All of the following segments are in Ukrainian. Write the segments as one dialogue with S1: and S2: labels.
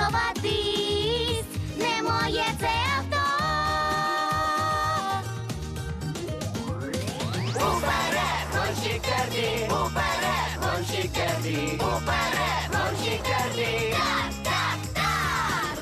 S1: сховатись, не моє це авто.
S2: Уперед, гонщик Кербі! Уперед, гонщик Кербі! Уперед, гонщик Кербі!
S1: Так, так, так.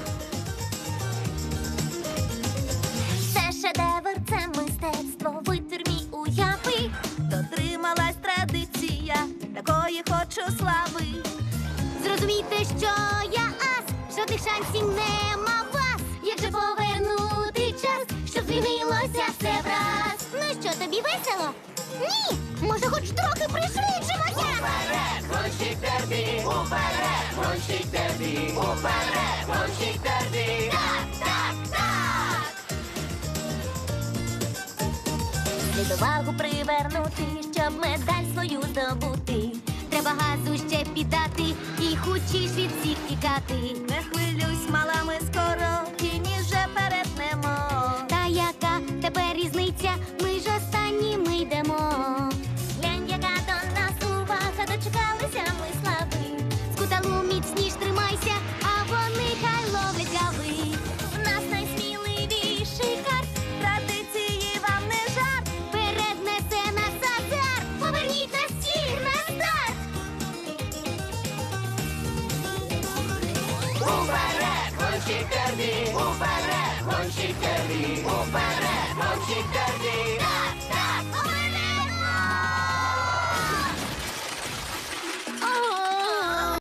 S1: Це шедевр, це мистецтво, витвір мій уяви.
S3: Дотрималась традиція, такої хочу слави.
S1: Зрозумійте, що я ас, жодних шансів нема вас. Як же повернути час, щоб змінилося все враз? Ну що, тобі весело? Ні! Може, хоч трохи пришвидшимося?
S2: Уперед, гонщик Кербі! Уперед, гонщик Кербі! Уперед, гонщик Кербі!
S1: Так, так, так! Слід увагу привернути, щоб медаль свою здобути. Треба газу ще піддати і хочеш від всіх тікати.
S3: Не хвилюйсь, мала, ми скоро тіні вже перетнемо.
S1: Та яка тепер різниця? Ми ж останніми йдемо. Глянь, яка до нас увага, дочекалися ми слави. Скуталу міцніш тримайся, а вони хай ловлять гави. В нас найсміливіший карт,
S3: Традиції вам не жарт.
S1: вперед несе нас азарт. Поверніть нас всіх на старт.
S2: Уперед, гонщик Кербі! Уперед, гонщик Кербі! Уперед,